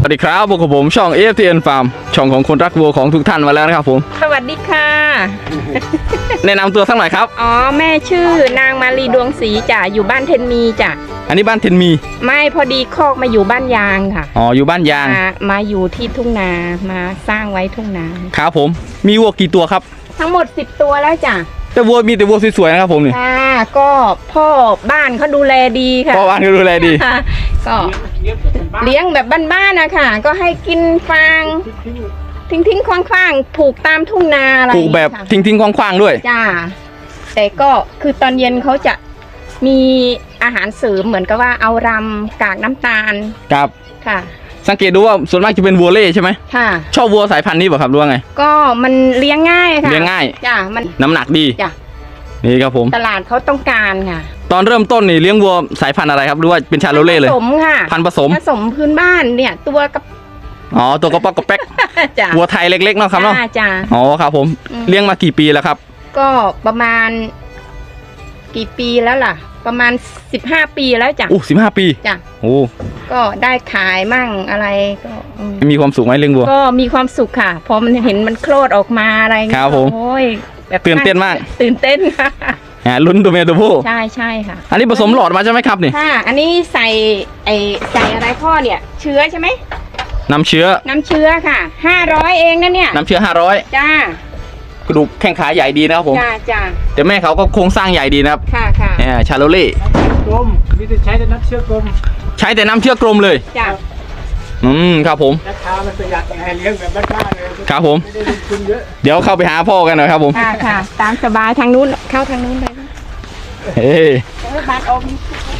สดีครับพวกผมช่อง FTN Farm ช่องของคนรักวัวของทุกท่านมาแล้วนะครับผมสวัสดีค่ะแนะนำตัวสักหน่อยครับอ๋อแม่ชื่อนางมาลีดวงศรีจ้ะอยู่บ้านเทนมีจ้ะอันนี้บ้านเทนมีไม่พอดีคอกมาอยู่บ้านยางค่ะอ๋ออยู่บ้านยางมาอยู่ที่ทุ่งนามาสร้างไว้ทุ่งนาครับผมมีวัวกี่ตัวครับทั้งหมด10ตัวแล้วจ้ะแต่วัวมีแต่วัวสวยๆนะครับผมนี่ก็พ่อบ้านเขาดูแลดีค่ะพ่อบ้านเขาดูแลดีก็เลี้ยงแบบบ้านๆนะคะก็ให้กินฟางทิ้งคว้างผูกตามทุ่งนาอะไรผูกแบบทิ้งคว้างด้วยจ้าแต่ก็คือตอนเย็นเขาจะมีอาหารเสริมเหมือนกับว่าเอารำกากน้ำตาลครับค่ะสังเกตดูว่าส่วนมากจะเป็นวัวเล่ใช่ไหมค่ะชอบวัวสายพันธุ์นี้ป่ะครับหรือว่าไงก็มันเลี้ยงง่ายค่ะเลี้ยงง่ายจ้ามันน้ำหนักดีจ้านี่ครับผมตลาดเขาต้องการค่ะตอนเริ่มต้นนี่เลี้ยงวัวสายพันธุ์อะไรครับหรือว่าเป็นชาโลเล่เลยผสมค่ะพันธุ์ผสมพื้นบ้านเนี่ยตัวกับอ๋อตัวกระป๊อกกระแป๊กวัวไทยเล็กๆเนาะครับเนาะจ้าอ๋อครับผมเลี้ยงมากี่ปีแล้วครับก็ประมาณกี่ปีแล้วล่ะประมาณ15 ปีแล้วจ้ะ 15 ปีจ้ะก็ได้ขายมั่งอะไรก็มีความสุขไหมเลี้ยงวัวก็มีความสุขค่ะพอมันเห็นมันโคลดออกมาอะไรครับผมโอ้ยแบบตื่นเต้นมากตื่นเต้นค่ะลุ้นตัวเมียตัวผู้ใช่ค่ะอันนี้ผสมหลอดมาใช่ไหมครับนี่ค่ะอันนี้ใส่อะไรพ่อเนี่ยเชื้อใช่ไหมน้ำเชื้อค่ะ500เองนะเนี่ยน้ำเชื้อ500 จ้ากระดูกแข้งขาใหญ่ดีนะครับผมจ้าแต่แม่เขาก็โครงสร้างใหญ่ดีนะครับค่ะชาโลเล่กลมมีแต่ใช้แต่น้ำเชื้อกลมใช้แต่น้ำเชื้อกลมเลยจ้าครับผมราคามันประหยัดไงเลี้ยงแบบบ้านๆเลยครับผมไม่ได้ลงทุนเยอะเดี๋ยวเข้าไปหาพ่อกันหน่อยครับผมค่ะตามสบายทางนู้นเข้าทางนู้นเลยเฮ้ยบ้านอม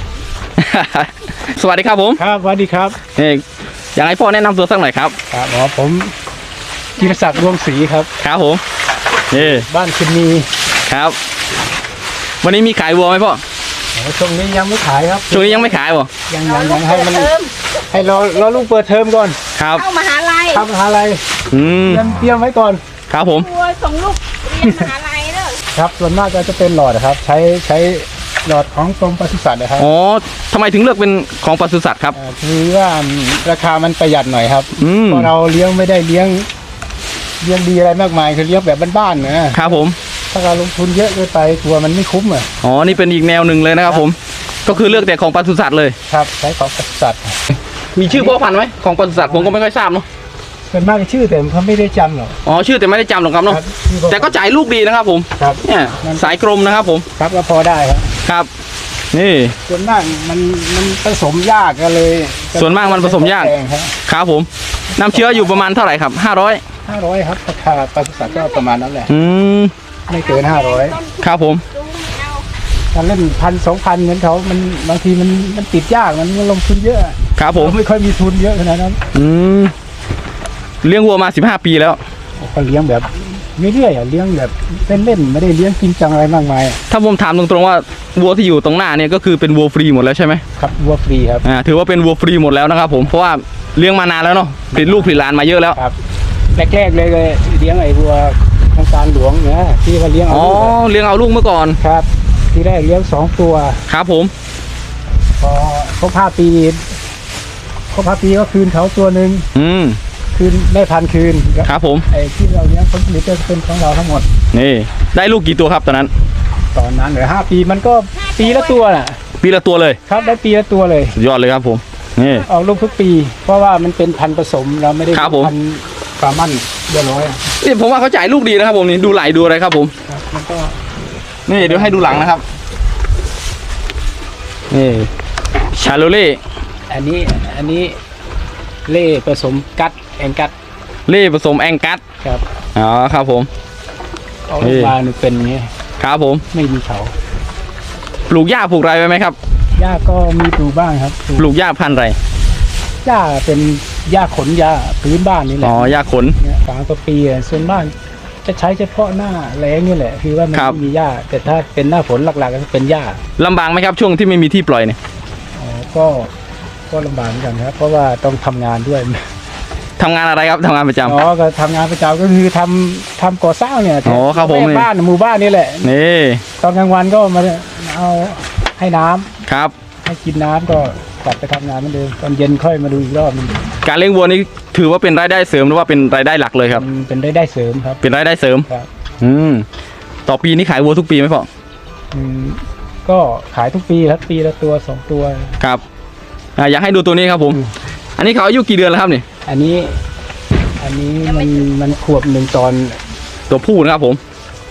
สวัสดีครับผมครับสวัสดีครับอยากให้พ่อแนะนำตัวสักหน่อยครับครับผมจิรศักดิ์ดวงศรีครับครับผมบ้านคินมีครับวันนี้มีขายวัวไหมพ่อช่วงนี้ยังไม่ขายครับช่วงนี้ยังไม่ขายบ่ยังให้มันให้รอลูกเปิดเทอมก่อนครับเข้ามหาลัยเตรียมไว้ก่อนครับผมวัวส่งลูกเรียนมหาลัยเด้อครับส่วนมากจะเป็นหลอดครับใช้หลอดของกรมปศุสัตว์นะครับอ๋อทำไมถึงเลือกเป็นของปศุสัตว์ครับคือว่าราคามันประหยัดหน่อยครับเพราะเราเลี้ยงไม่ได้เลี้ยงดีอะไรมากมายคือเลี้ยงแบบบ้านๆนะครับผมถ้าเราลงทุนเยอะเกินไปตัวมันไม่คุ้มอ๋อนี่เป็นอีกแนวหนึ่งเลยนะครับผมก็คือเลือกแต่ของปศุสัตว์เลยครับใช้ของปศุสัตว์มีชื่อพ่อพันธุ์ไหมของปศุสัตว์ผมก็ไม่ค่อยทราบเนาะเป็นมากชื่อแต่เขาไม่ได้จำหรอกอ๋อชื่อแต่ไม่ได้จำหรอกครับเนาะแต่ก็จ่ายลูกดีนะครับผมครับเนี่ยสายกรมนะครับผมครับก็พอได้ครับนี่ส่วนมากมันผสมยากกันเลยส่วนมากมันผสมยากครับผมน้ำเชื้ออยู่ประมาณเท่าไหร่ครับ 500ครับราคาปศุสัตว์ก็ประมาณนั้นแหละไม่เกิน500 ครับผมการเล่น1,000-2,000เหมือนเขามันบางทีมันติดยากมันลงทุนเยอะครับผมไม่ค่อยมีทุนเยอะขนาดนั้นเลี้ยงวัวมา15 ปีแล้วก็เลี้ยงแบบไม่เรื่อยเลี้ยงแบบเล่นไม่ได้เลี้ยงจริงจังอะไรมากมายถ้าผมถามตรงๆว่าวัวที่อยู่ตรงหน้าเนี่ยก็คือเป็นวัวฟรีหมดแล้วใช่ไหมครับวัวฟรีครับถือว่าเป็นวัวฟรีหมดแล้วนะครับผมเพราะว่าเลี้ยงมานานแล้วเนาะผลิตลูกผลิตหลานมาเยอะแล้วครับแรกๆเลยเลี้ยงไอ้วัวโครงการหลวงเนี่ยที่ว่าเลี้ยงเอาเลี้ยงเอาลูกเมื่อก่อนครับที่แรกเลี้ยง2 ตัวครับผมพอครบ5 ปีก็คืนเขาตัวหนึ่งคืนแม่พันธุ์คืนครับผมไอ้ที่เราเลี้ยงผลผลิตจะเป็นของเราทั้งหมดนี่ได้ลูกกี่ตัวครับตอนนั้นเหลือ5 ปีมันก็ปีละตัวน่ะปีละตัวเลยครับได้ปีละตัวเลยสุดยอดเลยครับผมนี่ออกลูกทุกปีเพราะว่ามันเป็นพันธุ์ผสมเราไม่ได้พันธุ์ปลามั่นเรียบร้อยนี่ผมว่าเขาจ่ายลูกดีนะครับผมนี่ดูไหลดูอะไรครับผมมันก็นี่เดี๋ยวให้ดูหลังนะครับนี่ชาโลเล่อันนี้เล่ผสมกัดแองกัดเล่ผสมแองกัดครับอ๋อครับผมออกมาเป็นอย่างนี้ครับผมไม่มีเขาปลูกหญ้าปลูกไรไว้ไหมครับหญ้าก็มีปลูกบ้างครับปลูกหญ้าพันธุ์ไรหญ้าเป็นหญ้าขนหญ้าพื้นบ้านนี่แหละอ๋อหญ้าขน 3 ปีส่วนบ้านจะใช้เฉพาะหน้าแล้งนี่แหละคือว่ามันไม่มีหญ้าแต่ถ้าเป็นหน้าฝนหลักๆก็เป็นหญ้าลำบากไหมครับช่วงที่ไม่มีที่ปล่อยเนี่ยก็ลำบากเหมือนกันครับเพราะว่าต้องทำงานด้วยทำงานอะไรครับทำงานประจำก็ทำงานประจำก็คือทำก่อสร้างเนี่ยครับผมบ้านหมู่บ้านนี่แหละนี่ตอนกลางวันก็มาเอาให้น้ำครับให้กินน้ำก็กลับไปทำงานเหมือนเดิมตอนเย็นค่อยมาดูอีกรอบนึงการเลี้ยงวัวนี่ถือว่าเป็นรายได้เสริมหรือว่าเป็นรายได้หลักเลยครับมันเป็นได้เสริมครับเป็นรายได้เสริมครับต่อปีนี่ขายวัวทุกปีไหมพ่อก็ขายทุกปีครับปีละตัว2 ตัวครับอยากให้ดูตัวนี้ครับผม อันนี้เขาอายุกี่เดือนแล้วครับนี่อันนี้มันขวบ1 ตอนตัวผู้นะครับผม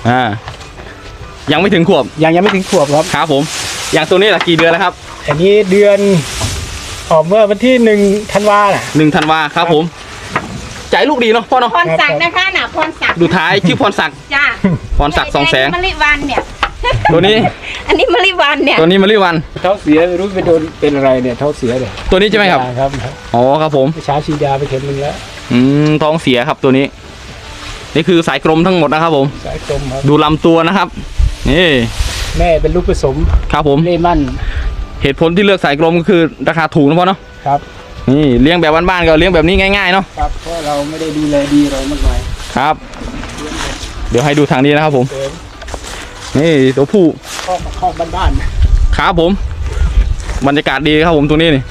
ยังไม่ถึงขวบยังไม่ถึงขวบครับครับผม อย่างตัวนี้ล่ะกี่เดือนแล้วครับอันนี้เดือนออกเมื่อวันที่1 ธันวาน่ะ 1 ธันวาครับผมใจลูกดีเนาะพ่อเนาะพรศักดิ์นะคะน่ะพรศักดิ์ดูท้ายชื่อพรศักดิ์จ้าพรศักดิ์ 200,000 มะลิวันเนี่ยตัวนี้อันนี้มะลิวันเนี่ยตัวนี้มะลิวันเท้าเสียไม่รู้ไปโดนเป็นอะไรเนี่ยเท้าเสียเลยตัวนี้ใช่ไหมครับครับอ๋อครับผมเช้าฉีดยาไปเข็มนึงแล้วท้องเสียครับตัวนี้ นี่คือสายกรมทั้งหมดนะครับผมสายกลมครับดูลำตัวนะครับ นี่แม่เป็นลูกผสมครับผมเล่มั่นเหตุผลที่เลือกสายกรมก็คือราคาถูกนะพ่อเนาะครับนี่เลี้ยงแบบบ้านๆก็เลี้ยงแบบนี้ง่ายๆเนาะครับเพราะเราไม่ได้ดูแลดีอะไรมากมายครับ เดี๋ยวให้ดูทางนี้นะครับผมเดินนี่ตัวผู้คอกบ้านครับผม บรรยากาศดีครับผมตัวนี้นี่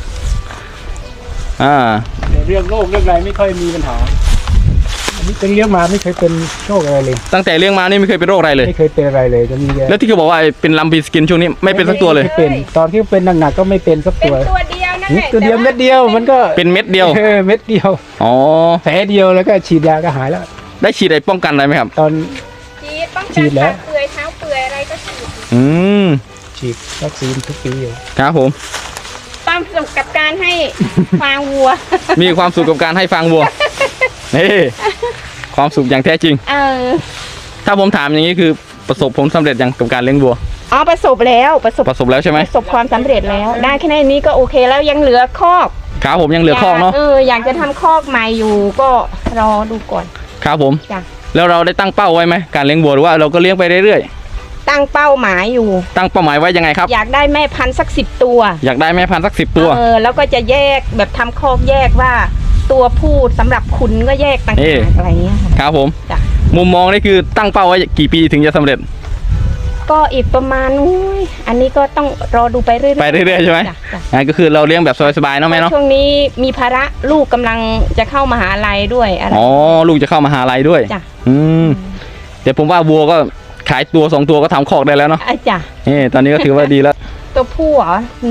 ๆในเรื่องโรคเรื่องอะไรไม่ค่อยมีปัญหาอันนี้เป็นเลี้ยงมาไม่เคยเป็นโรคอะไรเลยตั้งแต่เลี้ยงมานี่ไม่เคยเป็นโรคอะไรเลยไม่เคยเป็นอะไรเลยจะมีแล้วที่เขาบอกว่าเป็นลัมบีสกินช่วงนี้ไม่เป็นสักตัวเลยไม่เป็นตอนที่เป็นหนักๆก็ไม่เป็นสักเป็นตัวตัวเดียวนั่นแหละตัวเดียวเม็ดเดียวมันก็เป็นเม็ดเดียวเม็ดเดียวอ๋อแผลเดียวแล้วก็ฉีดยาก็หายแล้วได้ฉีดอะไรป้องกันอะไรไหมครับตอนฉีดป้องฉีกันดแล้วขาเปื่อยเท้าเปื่อยอะไรก็ฉีดอืมฉีดวัคซีนทุกปีอยู่ครับผมความสุขกับการให้ฟางวัวมีความสุขกับการให้ฟางวัว นี่ความสุขอย่างแท้จริง ถ้าผมถามอย่างนี้คือประสบผลสำเร็จอย่างกับการเลี้ยงวัวอ๋อประสบแล้วประสบประสบแล้วใช่ไหมประสบความสำเร็จแล้ว ได้แค่นี้ก็โอเคแล้วยังเหลือคอกครับผมยังเหลือคอกเนาะอยากจะทำคอกใหม่อยู่ก็รอดูก่อนครับผมจ้ะแล้วเราได้ตั้งเป้าไว้ไหมการเลี้ยงวัวหรือว่าเราก็เลี้ยงไปเรื่อยตั้งเป้าหมายอยู่ๆตั้งเป้าหมายไว้ยังไงครับอยากได้แม่พันธุ์สัก10 ตัวอยากได้แม่พันธุ์สัก10 ตัวแล้วก็จะแยกแบบทำคอกแยกว่า ตัวผู้สำหรับขุนก็แยกต่างเอ๊ะหากอะไรเงี้ยค่ะครับผมจ้ะมุมมองนี่คือตั้งเป้าไว้กี่ปีถึงจะสำเร็จก็อีกประมาณอันนี้ก็ต้องรอดูไปเรื่อยๆไปเรื่อยๆใช่ไหมจ้ะจ้ะก็คือเราเลี้ยงแบบสบายๆเนาะแม่เนาะช่วงนี้มีภาระลูกกำลังจะเข้ามหาลัยด้วยอะไรอ๋อลูกจะเข้ามหาลัยด้วยจ้ะแต่ผมว่าวัวก็ขายตัว2 ตัวก็ทำคอกได้แล้วเนาะจ้ะนี่ตอนนี้ก็ถือว่าดีแล้วตัวผู้เหรอ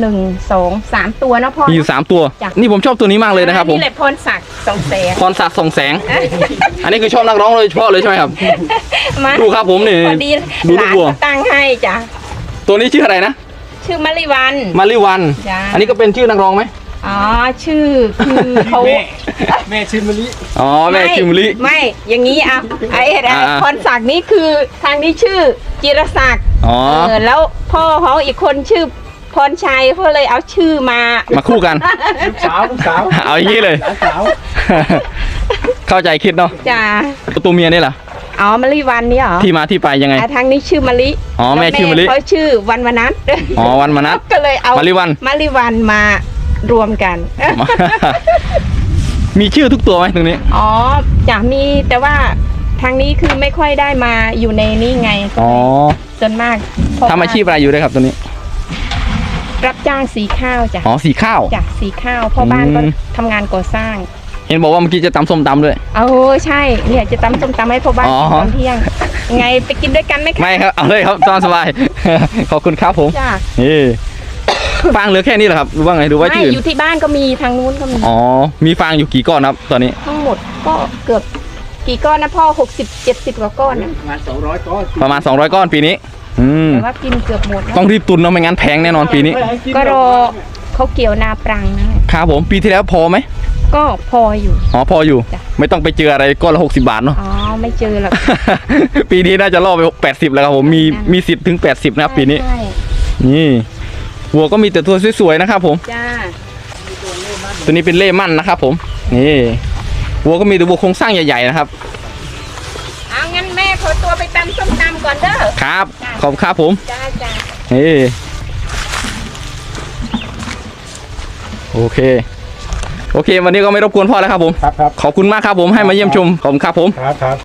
1 2 3 ตัวนะพ่อมีอยู่3 ตัวจ้ะนี่ผมชอบตัวนี้มากเลยนะครับผมนี่แหละพรศักดิ์200,000 พรศักดิ์ส่องแสง อันนี้คือชอบนักร้องโดยเฉพาะเลยใช่ไหมครับมาดูครับผมนี่พอดีดูหลูลาก นวัวก็ตั้งให้จ้ะตัวนี้ชื่ออะไรนะชื่อมะลิวันมาริวันจ้ะอันนี้ก็เป็นชื่อนักร้องไหมอ๋อชื่อคือเขาแม่ชื่อมะลิอ๋อแม่ชื่อมะลิไม่อย่างนี้อ่ะไอ้อ่าพรศักดิ์นี่คือทางนี้ชื่อจิรศักดิ์อ๋อแล้วพ่อเขาอีกคนชื่อพรชัยเขาเลยเอาชื่อมามาคู่กันลูกสาวเอาอย่างนี้เลยหลานสาวเข้าใจคิดเนาะจ้ะตัวเมียนี่ล่ะอ๋อมะลิวันนี่เหรอที่มาที่ไปยังไงทางนี้ชื่อมะลิอ๋อแม่ชื่อมะลิเขาชื่อวันวนัทอ๋อวันมนัสก็เลยเอามะลิวันมะลิวันมารวมกันมีชื่อทุกตัวไหมตรงนี้อ๋อจะมีแต่ว่าทางนี้คือไม่ค่อยได้มาอยู่ในนี่ไงอ๋อส่วนมากเพระทำอาชีพอะไรอยู่ด้วยครับตัวนี้รับจ้างสีข้าวจ้ะอ๋อสีข้าวจ้ะสีข้าวพ่อบ้านก็อืมทำงานก่อสร้างเห็นบอกว่าเมื่อกี้จะตำส้มตำด้วยโอ้ใช่เนี่ยจะตำส้มตำให้พ่อบ้านอ๋อกินตอนเที่ยงไงไปกินด้วยกันไหมคะไม่ครับ เอาเลยครับตอนสบาย ขอบคุณครับผมจ้ะนี่ฟางเหลือแค่นี้เหรอครับหรือว่าไงดูว่าไม่ที่อื่นอยู่ที่บ้านก็มีทางนู้นก็มีอ๋อ มีฟางอยู่กี่ก้อนครับตอนนี้ทั้งหมดก็เกือบกี่ก้อนนะพ่อ60-70 กว่าก้อนนะงาน200 ก้อนประมาณ200 ก้อนปีนี้แต่ว่ากินเกือบหมดแล้วต้องรีบตุนเนาะไม่งั้นแพงแน่นอนปีนี้ก็รอเขาเกี่ยวนาปรังนะครับผมปีที่แล้วพอไหมก็พออยู่อ๋อพออยู่จ้ะไม่ต้องไปเจออะไรก้อนละ60 บาทเนาะอ๋อไม่เจอหรอกปีนี้น่าจะล่อไป80แล้วครับผมมีสิทธิ์ถึง80นะครับปีนี้ใช่นี่วัวก็มีแต่ตัวสวยๆนะครับผมจ้าตัวนี้เป็นเล่มั่นนะครับผมนี่วัวก็มีแต่วัวโครงสร้างใหญ่ๆนะครับเอางั้นแม่ขอตัวไปตำส้มตำก่อนเด้อครับ ขอบคุณครับผมจ้าจ้านี่โอเค โอเค วันนี้ก็ไม่รบกวนพ่อแล้วครับผมครับขอบคุณมากครับผมให้มาเยี่ยมชมขอบคุณครับผมครับ